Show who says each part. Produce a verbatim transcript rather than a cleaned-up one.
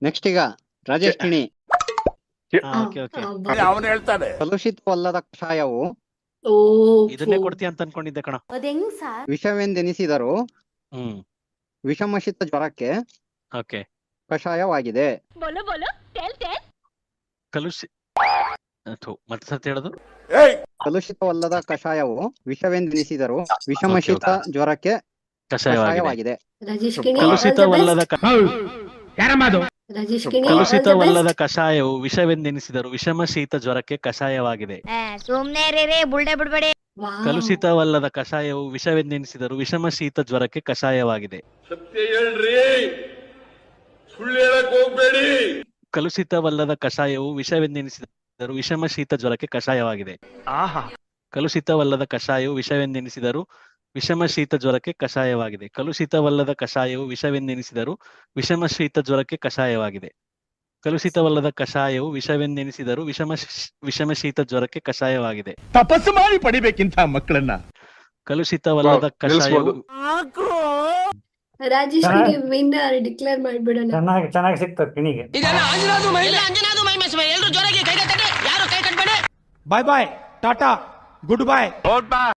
Speaker 1: Next ಈಗ ರಾಜೇಶ್ ಕಿಣಿ.
Speaker 2: Okay okay
Speaker 3: ಅವನು ಹೇಳ್ತಾನೆ
Speaker 1: ಕಲುಷಿತವಲ್ಲದ ಕಷಾಯವು
Speaker 4: ಓ
Speaker 2: ಇದನ್ನೇ ಕೊಡ್ತೀಯ ಅಂತ ಅನ್ಕೊಂಡಿದ್ದೆ ಕಣ.
Speaker 4: ಅದೆಂಗ್ ಸರ್?
Speaker 1: ವಿಷವೆಂದೆನಿಸಿದರೂ
Speaker 2: ಹ್ಮ್
Speaker 1: ವಿಷಮಶಿತ ಜ್ವರಕ್ಕೆ
Speaker 2: ಓಕೆ.
Speaker 1: ಕಷಾಯವಾಗಿದೆ.
Speaker 2: ಕಲುಷಿ ಥು, ಮತ್ತೆ ಸತ್ ಹೇಳೋದು.
Speaker 1: ಕಲುಷಿತವಲ್ಲದ ಕಷಾಯವು ವಿಷವೆಂದೆನಿಸಿದರೂ ವಿಷಮಶಿತ
Speaker 2: Okay, okay.
Speaker 1: ಜ್ವರಕ್ಕೆ
Speaker 2: ಕಷಾಯವಾಗಿದೆ.
Speaker 1: ಕಷಾಯವಾಗಿದೆ.
Speaker 4: ರಾಜೇಶ್ ಕಿಣಿ
Speaker 2: ಕಲುಷಿತವಲ್ಲದ ಕ-
Speaker 4: ರಾಜೇಶ್ ಕಿಣಿ
Speaker 2: ಕಲುಷಿತವಲ್ಲದ ಕಷಾಯವು ವಿಷವೆಂದೆನಿಸಿದರು ವಿಷಮ ಶೀತ ಜ್ವರಕ್ಕೆ ಕಷಾಯವಾಗಿದೆ.
Speaker 5: ಸುಮ್ನೆ ರೀ ಬುಲ್ಡೆ ಬಿಡ್ಬೇಡಿ.
Speaker 2: ಕಲುಷಿತವಲ್ಲದ ಕಷಾಯವು ವಿಷವೆಂದೆನಿಸಿದರು ವಿಷಮ ಶೀತ ಜ್ವರಕ್ಕೆ ಕಷಾಯವಾಗಿದೆ.
Speaker 3: ಸತ್ಯ ಹೇಳ್ರಿ, ಸುಳ್ಳು ಹೇಳಕ್ ಹೋಗ್ಬೇಡಿ.
Speaker 2: ಕಲುಷಿತವಲ್ಲದ ಕಷಾಯವು ವಿಷವೆಂದೆನಿಸಿದರು ವಿಷಮ ಶೀತ ಜ್ವರಕ್ಕೆ ಕಷಾಯವಾಗಿದೆ. ಕಲುಷಿತವಲ್ಲದ ಕಷಾಯವು ವಿಷವೆಂದೆನಿಸಿದರು ವಿಷಮ ಶೀತ ಜ್ವರಕ್ಕೆ ಕಷಾಯವಾಗಿದೆ. ಕಲುಷಿತವಲ್ಲದ ಕಷಾಯವು ವಿಷವೆಂದೆನಿಸಿದರು ವಿಷಮ ಶೀತ ಜ್ವರಕ್ಕೆ ಕಷಾಯವಾಗಿದೆ. ಕಲುಷಿತವಲ್ಲದ ಕಷಾಯವು ವಿಷವೆಂದೆನಿಸಿದರು ವಿಷಮ ಶ್- ವಿಷಮ ಶೀತ ಜ್ವರಕ್ಕೆ ಕಷಾಯವಾಗಿದೆ.
Speaker 6: ತಪಸ್ಸು ಮಾಡಿ ಪಡಿಬೇಕಿಂತ ಮಕ್ಕಳನ್ನ.
Speaker 2: ಕಲುಷಿತವಲ್ಲದ ಕಷಾಯವು
Speaker 4: ರಾಜೇಶ್ ಕಿಣಿ ವಿನ್ನರ್ ಡಿಕ್ಲೇರ್ ಮಾಡ್ಬಿಡೋಣ.
Speaker 7: ಚೆನ್ನಾಗಿ ಚೆನ್ನಾಗಿ ಸಿಕ್ತದೆ ಕಿಣಿಗೆ.
Speaker 6: ಬಾಯ್ ಬಾಯ್ ಟಾಟಾ ಗುಡ್ ಬಾಯ್.